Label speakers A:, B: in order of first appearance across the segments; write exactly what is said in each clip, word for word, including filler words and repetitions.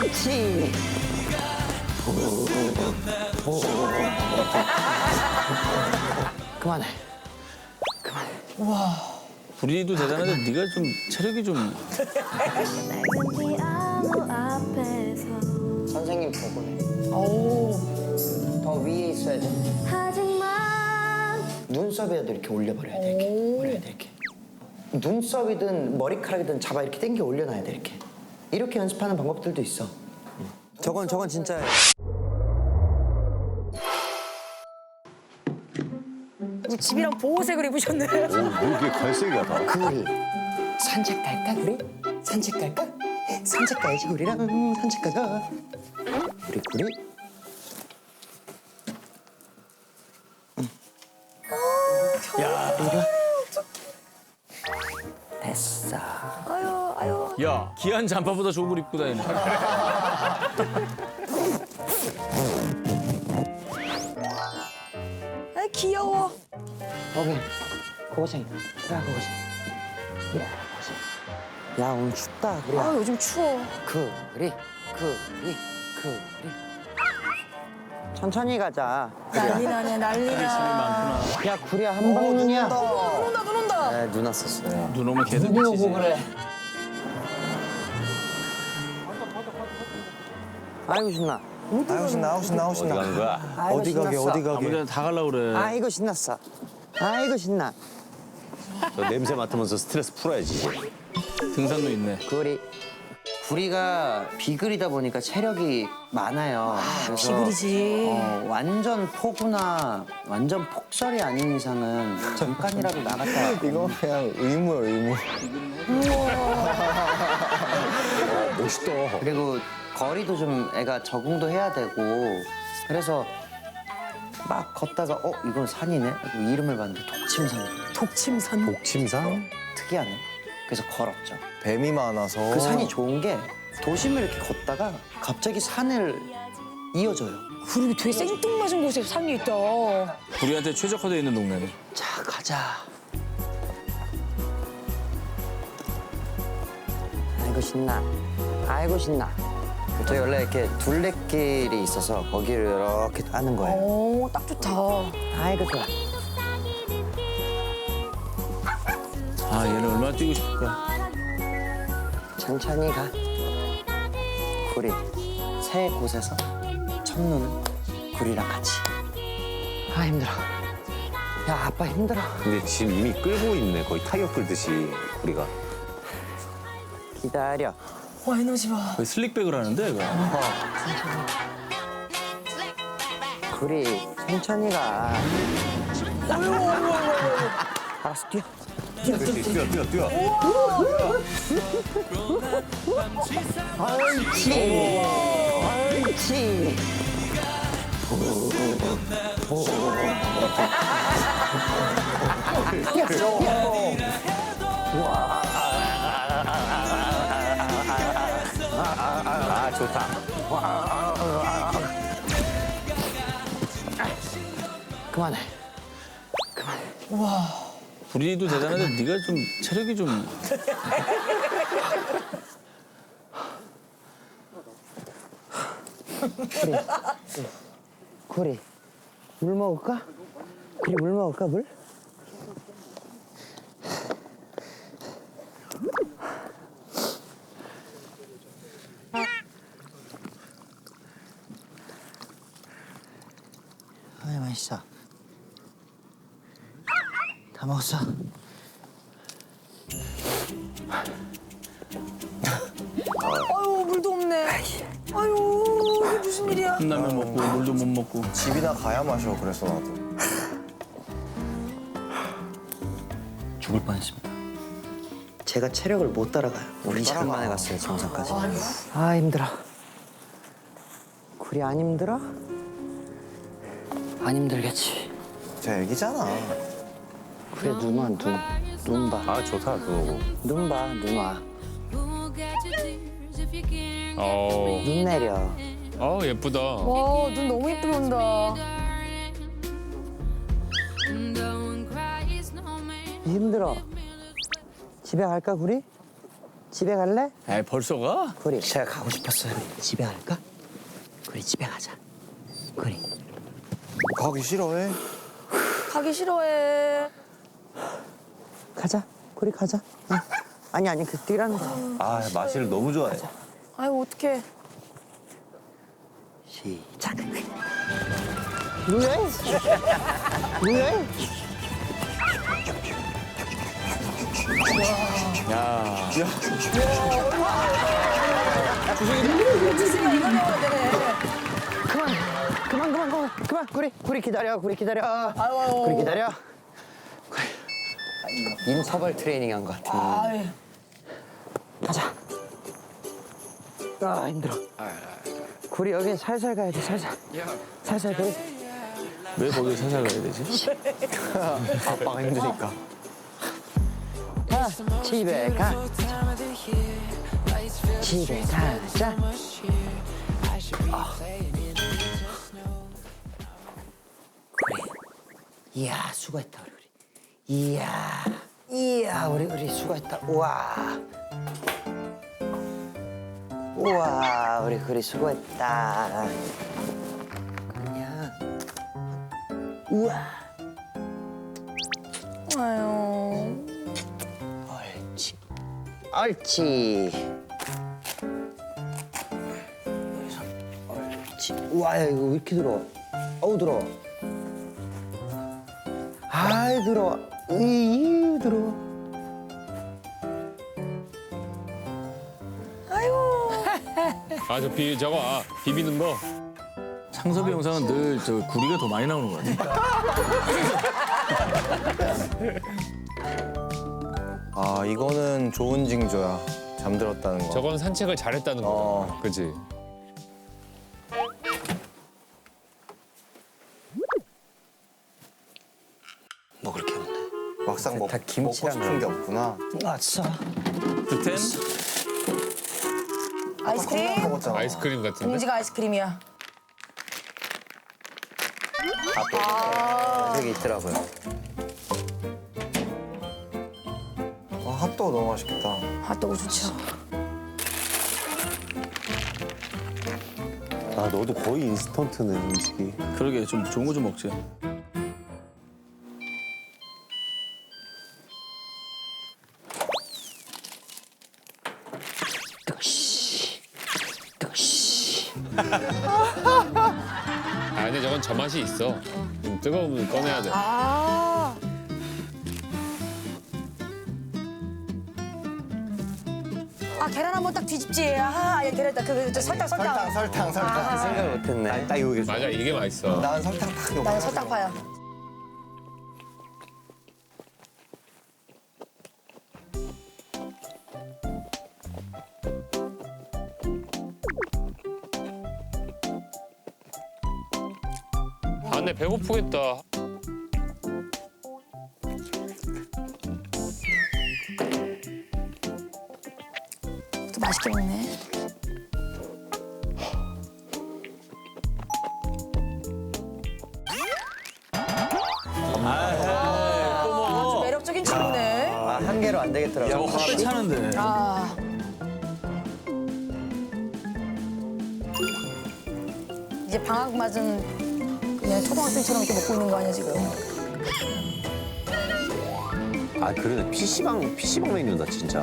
A: 옳지. 그만해. 그만해.
B: 구리도 대단한데 네가 좀 체력이 좀.
A: 선생님 보고네. 더 위에 있어야 돼. 눈썹에도 이렇게 올려버려야 돼. 이렇게 올려야 돼. 이렇게. 눈썹이든 머리카락이든 잡아 이렇게 당겨 올려놔야 돼. 이렇게. 이렇게 연습하는 방법들도 있어.
C: 저건 저건 진짜예요.
D: 집이랑 보호색을 입으셨네.
E: 뭐 이렇게 갈색이야 다.
A: 구리 산책 갈까 구리? 산책 갈까? 산책 가야지 구리랑 산책 가자. 구리 구리. 야. 이리 와. 됐어.
D: 아유, 아유.
B: 야, 기한 잠바보다 좋은 걸 입고 다니네.
D: 아, 귀여워.
A: 거기 고고생. 야 고고생. 야 고고생. 야 오늘 춥다 구리야.
D: 아, 요즘 추워.
A: 구리 구리 구리. 천천히 가자.
D: 난리 나네, 난리 나.
A: 야 구리야 한방눈이야.
D: 눈 온다, 눈 온다.
A: 네, 눈 왔었어요.
B: 눈 오면 계속
A: 눈이
B: 미치지.
A: 오고 그래. 아이고 신나.
C: 아우 신나 아우 신나 아우
E: 어디
C: 신나.
E: 가는 거야?
A: 아이고,
C: 어디 가게
A: 신났어.
C: 어디 가게.
B: 아무데나 다 가려고 그래.
A: 아이고 신났어. 아이고 신나.
E: 저 냄새 맡으면서 스트레스 풀어야지.
B: 등산로 있네.
A: 구리. 구리가 비글이다 보니까 체력이 많아요. 그래서
D: 비글이지.
A: 어, 완전 폭우나 완전 폭설이 아닌 이상은 잠깐이라도 나갔다.
C: 이거 그냥 의무야 의무.
E: 멋있다.
A: 그리고 거리도 좀 애가 적응도 해야 되고 그래서 막 걷다가 어 이건 산이네 하고 이름을 봤는데 독침산.
D: 독침산.
C: 독침산?
A: 특이하네. 그래서 걸었죠.
C: 뱀이 많아서.
A: 그 산이 좋은 게 도심을 이렇게 걷다가 갑자기 산을 이어져요.
D: 그리고 되게 생뚱맞은 곳에 산이 있다.
B: 구리한테 최적화되어 있는 동네네.
A: 자 가자. 아이고 신나. 아이고 신나. 저희 원래 이렇게 둘레길이 있어서 거기를 이렇게 하는 거예요.
D: 오, 딱 좋다.
A: 아이고 좋아.
B: 아, 얘는 얼마나 뛰고 싶을까.
A: 천천히 가. 구리. 새 곳에서 첫눈은 구리랑 같이. 아 힘들어. 야 아빠 힘들어.
E: 근데 지금 이미 끌고 있네. 거의 타이어 끌듯이 우리가.
A: 기다려.
D: 와, 에너지 봐.
B: 거의 슬릭백을 하는데, 이거.
A: 구리 천천히 가. 알았어 뛰어.
E: 그렇지, 뛰어, 뛰어, 뛰어.
A: 옳지. 옳지.
E: 아, 좋다.
A: 그만해. 그만해.
B: 구리도 대단한데 네가 좀 체력이 좀.
A: 구리. 물 먹을까? 구리 물 먹을까 물? 아이 맛있어. 다 먹었어.
D: 아유, 물도 없네. 아유, 이게 무슨 일이야.
B: 컵라면 먹고 물도 못 먹고.
C: 집이나 가야 마셔 그래서 나도.
A: 죽을 뻔했습니다. 제가 체력을 못 따라가요. 우리 시간 만에 갔어요 정상까지. 아 힘들어. 구리 안 힘들어? 안 힘들겠지.
C: 쟤 애기잖아.
A: 그래 눈 와, 눈. 눈 봐.
E: 아, 좋다, 그거.
A: 눈 봐, 눈 와.
B: 어,
A: 눈 내려.
B: 어 예쁘다.
D: 와, 눈 너무 예쁘게 온다.
A: 힘들어. 집에 갈까, 구리? 집에 갈래?
B: 에 벌써 가?
A: 구리, 제가 가고 싶었어요. 집에 갈까? 구리, 집에 가자. 구리.
C: 가기 싫어해.
D: 가기 싫어해.
A: 가자. 구리, 가자. 응. 아니, 아니, 그 뛰라는 거.
E: 아 마시를 너무 좋아해.
D: 아이고, 어떡해.
A: 시작. 뭐야? 뭐야?
B: 야.
D: 주승이가 이거 배워야 되네.
A: 그만, 그만, 그만, 그만, 그만. 구리, 구리 기다려, 구리 기다려.
D: 아유.
A: 구리 기다려. 구리. 인터벌 트레이닝 한 것 같아.
D: 아이.
A: 가자. 아 힘들어. 구리 여기 살살 가야 돼, 살살. 살살 구리.
B: 왜 거기 살살 가야 되지?
C: 아빠가 힘드니까.
A: 가, 집에 가. 집에 가자. 아. 구리. 이야, 수고했다, 우리 구리. 이야, 이야, 우리 우리 수고했다. 우와. 우와, 우리 구리 수고했다. 그냥. 우와.
D: 아유.
A: 옳지. 옳지. 옳지. 우와, 야, 이거 왜 이렇게 들어와? 어우, 들어와. 아이, 들어와. 으이, 들어와.
F: 아, 저 비, 저거, 아, 비비는 거.
B: 창섭이 영상은 늘 저 구리가 더 많이 나오는 것 같아.
C: 아 이거는 좋은 징조야. 잠들었다는 거.
F: 저건 산책을 잘했다는 거.
C: 어.
F: 그지?
A: 뭐 그렇게 없네.
C: 막상 먹,
A: 다
C: 먹고
A: 김치랑
C: 싶은 게 없구나.
A: 아싸.
B: 득템?
D: 아이스크림?
C: 먹었잖아.
F: 아이스크림 같은데?
D: 봉지가 아이스크림이야.
A: 여기 있더라고요.
C: 아, 핫도그 너무 맛있겠다.
D: 핫도그 좋죠.
E: 아 너도 거의 인스턴트네 음식이.
B: 그러게 좀 좋은 거 좀 먹지.
A: 뜨거시. 뜨거시.
F: 아, 근데 저건 저 맛이 있어. 좀 뜨거우면 꺼내야 돼.
D: 아. 아, 계란 한번 딱 뒤집지. 아, 예, 계란 딱 그, 저 설탕, 설탕.
C: 설탕, 설탕, 설탕.
D: 아.
A: 생각 못했네.
E: 딱 이거
F: 맞아, 이게 맛있어.
C: 난 설탕 딱 이거.
D: 나는 설탕파야.
F: 아, 근데 배고프겠다.
D: 또 맛있게 먹네.
B: 아, 또
D: 아주
B: 먹어.
D: 매력적인 친구네.
A: 아, 한 개로 안 되겠더라고.
B: 저거 헛배 차는데.
D: 아. 이제 방학 맞은 그냥 초등학생처럼 이렇게 먹고 있는 거 아니야 지금?
E: 아 그러네 피시방 피시방 메뉴다 진짜.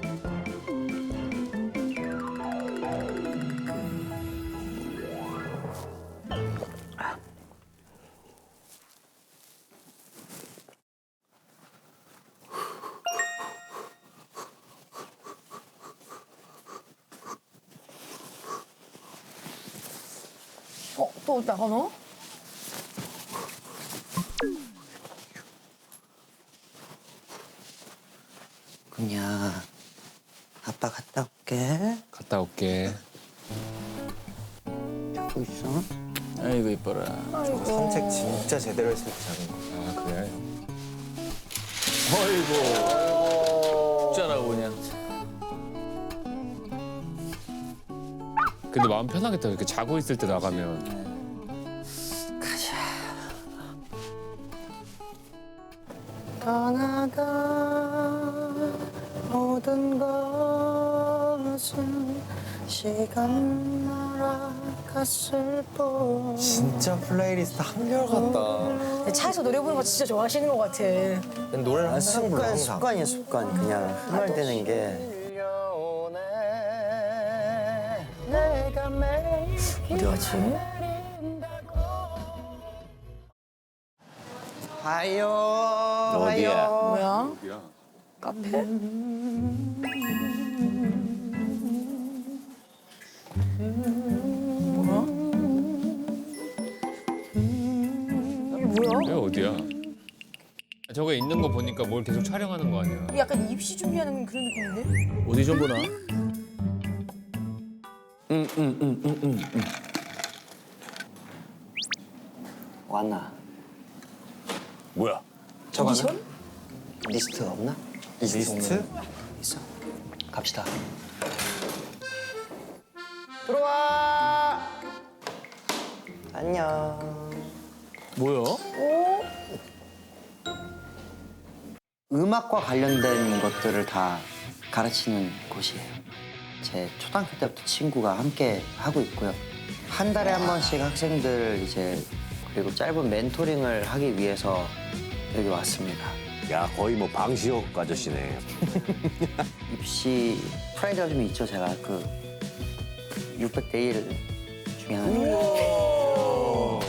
D: 어, 또 나가 너?
A: 그냥 아빠 갔다 올게.
F: 갔다 올게.
A: 또 있어?
B: 아이고 이뻐라.
D: 아이고.
C: 산책 진짜 제대로 했을 때 자는 거.
F: 아, 그래?
B: 어이구. 짜라고 그냥.
F: 근데 마음 편하겠다. 이렇게 자고 있을 때 나가면.
A: 떠나가 모든 걸 날아갔을 뿐.
C: 진짜 플레이리스트 한결같다.
D: 차에서 노래 부르는 거 진짜 좋아하시는 것 같아.
C: 노래를 항상 불러,
A: 습관,
C: 항상.
A: 습관이야 습관. 그냥 흥얼대는 게.
D: 어디 갔지?
A: 하요.
E: 어디야?
A: 하요.
D: 뭐야? 카페? 뭐야?
F: 여기 어디야? 저거 있는 거 보니까 뭘 계속 촬영하는 거 아니야?
D: 약간 입시 준비하는 그런 느낌인데?
B: 오디션 보나?
A: 왔나?
E: 뭐야?
A: 저거 오디션? 리스트 없나?
C: 리스트?
A: 있어. 갑시다. 들어와. 안녕.
B: 뭐야?
A: 음악과 관련된 것들을 다 가르치는 곳이에요. 제 초등학교 때부터 친구가 함께 하고 있고요. 한 달에 한 번씩 학생들 이제 그리고 짧은 멘토링을 하기 위해서 여기 왔습니다.
E: 야 거의 뭐 방시혁 아저씨네.
A: 입시 프라이드가 좀 있죠, 제가 그 육백 대 일 중에 하나.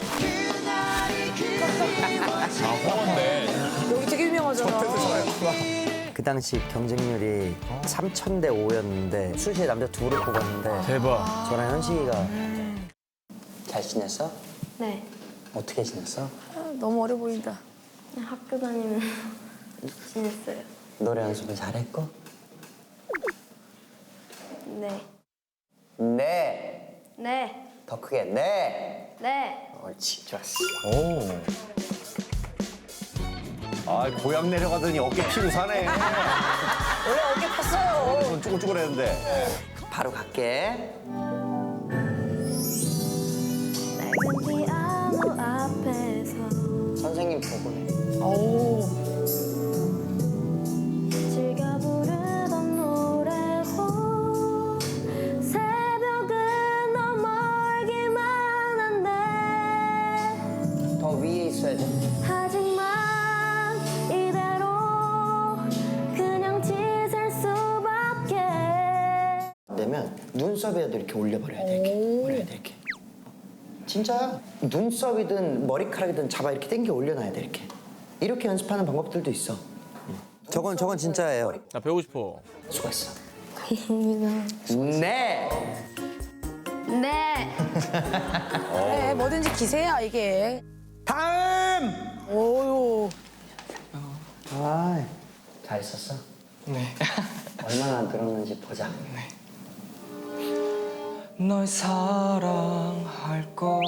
F: 아 홍원대.
D: 여기 되게 유명하잖아.
A: 그 당시 경쟁률이 삼천 대 오였는데 수시에 남자 둘을 뽑았는데
B: 대박.
A: 저랑 현식이가 잘 지냈어?
G: 네.
A: 어떻게 지냈어?
D: 아, 너무 어려 보인다.
G: 그냥 학교 다니면서 지냈어요.
A: 노래 연습을 잘했고?
G: 네.
A: 네.
G: 네.
A: 더 크게 네.
G: 네.
A: 옳지, 좋았어.
C: 오.
E: 아 고향 내려가더니 어깨 피고 사네.
D: 원래 어깨 팠어요.
E: 손 쭈글쭈글했는데.
A: 바로 갈게.
G: 낡은 피아노 앞에서
A: 선생님 보고네.
D: 오.
G: 즐겨 부르던 노래도 새벽은 너무 멀기만 한데
A: 더 위에 있어야 돼.
G: 하지만 이대로 그냥 지낼 수밖에.
A: 되면 눈썹에도 이렇게 올려버려야 돼. 이렇게 올려야 돼 이렇게. 진짜야. 눈썹이든 머리카락이든 잡아 이렇게 당겨 올려놔야 돼 이렇게. 이렇게 연습하는 방법들도 있어. 저건 저건 진짜예요.
B: 나 배우고 싶어.
A: 수고했어.
G: 감사합니다.
A: 네.
G: 네.
D: 그래, 뭐든지 기세야, 이게.
A: 다음.
D: 오요.
A: 아, 잘 있었어?
H: 네.
A: 얼마나 늘었는지 보자.
H: 널 사랑할 걸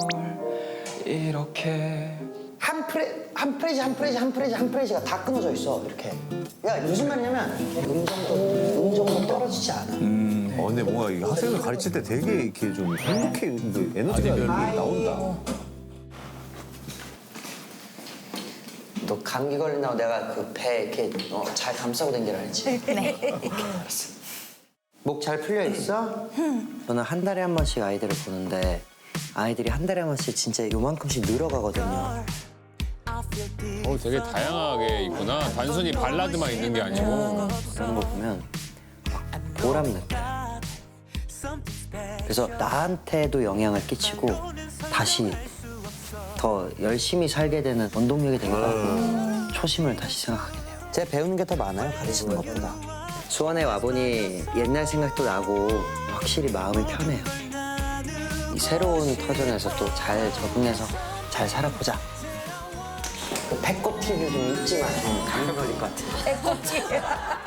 H: 이렇게
A: 한 프레 한 프레지 한 프레지 한 프레지 한 프레지가 다 끊어져 있어 이렇게. 야 무슨 말이냐면 음정도 음정도 떨어지지 않아.
E: 어 근데 뭔가 이 학생을 가르칠 때 되게 이렇게 좀 행복해, 근데 에너지가 이렇게 나온다.
A: 너 감기 걸린다고 내가 그 배 이렇게 어, 잘 감싸고 다니라 알지? 네. 알았어. 목 잘 풀려 있어? 저는 한 달에 한 번씩 아이들을 보는데 아이들이 한 달에 한 번씩 진짜 요만큼씩 늘어가거든요.
F: 어 되게 다양하게 있구나. 단순히 발라드만 있는 게 아니고.
A: 그런 거 보면 막 보람 느껴. 그래서 나한테도 영향을 끼치고 다시 더 열심히 살게 되는 원동력이 되기도 하고 초심을 다시 생각하게 돼요. 제가 배우는 게 더 많아요, 가르치는 것보다. 수원에 와보니 옛날 생각도 나고 확실히 마음이 편해요. 이 새로운 터전에서 또 잘 적응해서 잘 살아보자. 그 배꼽 티를 좀 잊지 마. 감기 걸릴 것 같아.
D: 배꼽티.